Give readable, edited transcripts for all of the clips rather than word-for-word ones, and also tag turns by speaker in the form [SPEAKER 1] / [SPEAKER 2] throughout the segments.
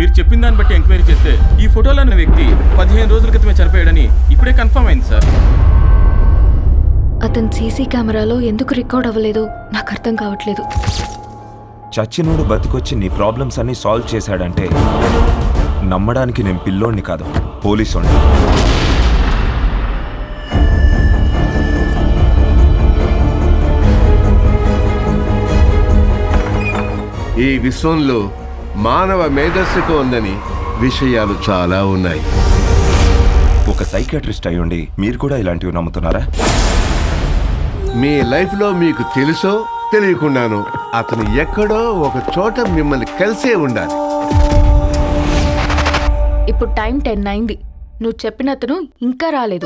[SPEAKER 1] మీరు చెప్పిన దాన్ని బట్టి ఎంక్వైరీ చేస్తే ఈ ఫోటోలో ఉన్న వ్యక్తి 15 రోజుల క్రితమే చనిపోయాడని ఇప్పుడే కన్ఫర్మ్ అయింది సార్.
[SPEAKER 2] అతను సీసీ కెమెరాలో ఎందుకు రికార్డ్ అవ్వలేదు నాకు అర్థం కావట్లేదు.
[SPEAKER 3] చచ్చినోడు బతికొచ్చి నీ ప్రాబ్లమ్స్ అన్ని సాల్వ్ చేశాడంటే నమ్మడానికి నేను పిల్లోడిని కాదు, పోలీసోడిని.
[SPEAKER 4] ఈ విశ్వంలో మానవ మేధస్సుకు ఉందని విషయాలు చాలా ఉన్నాయి.
[SPEAKER 3] ఒక సైకియాట్రిస్ట్ అయ్యుండి మీరు కూడా ఇలాంటివి నమ్ముతున్నారా?
[SPEAKER 4] మీ లైఫ్లో మీకు తెలుసో తెలియకుండానో అతను ఎక్కడో ఒక చోట మిమ్మల్ని కలిసే ఉండాలి.
[SPEAKER 2] ఇప్పుడు టైం 10 అయింది. నువ్వు చెప్పిన అతను ఇంకా రాలేదు.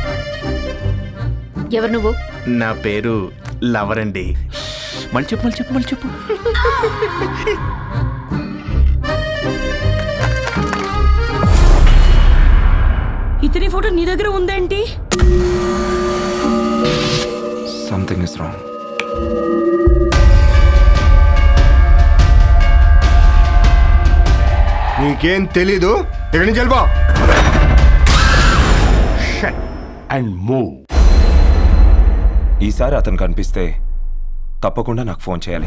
[SPEAKER 2] ఎవరు నువ్వు?
[SPEAKER 5] నా పేరు లవర్ అండి. మళ్ళీ చెప్పు.
[SPEAKER 6] ఇతని ఫోటో నీ దగ్గర ఉందేంటి?
[SPEAKER 3] Something is wrong.
[SPEAKER 7] నీకేం తెలీదు, ఇక్కడి నుంచి వెళ్ళిపో. And move.
[SPEAKER 3] ఈసారి అతను కనిపిస్తే తప్పకుండా నాకు ఫోన్ చేయాలి.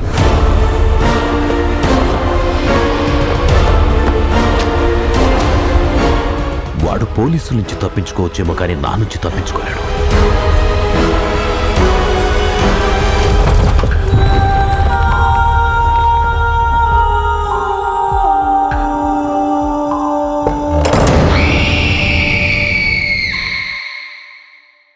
[SPEAKER 8] వాడు పోలీసుల నుంచి తప్పించుకోవచ్చేమో కానీ నా నుంచి తప్పించుకోలేడు.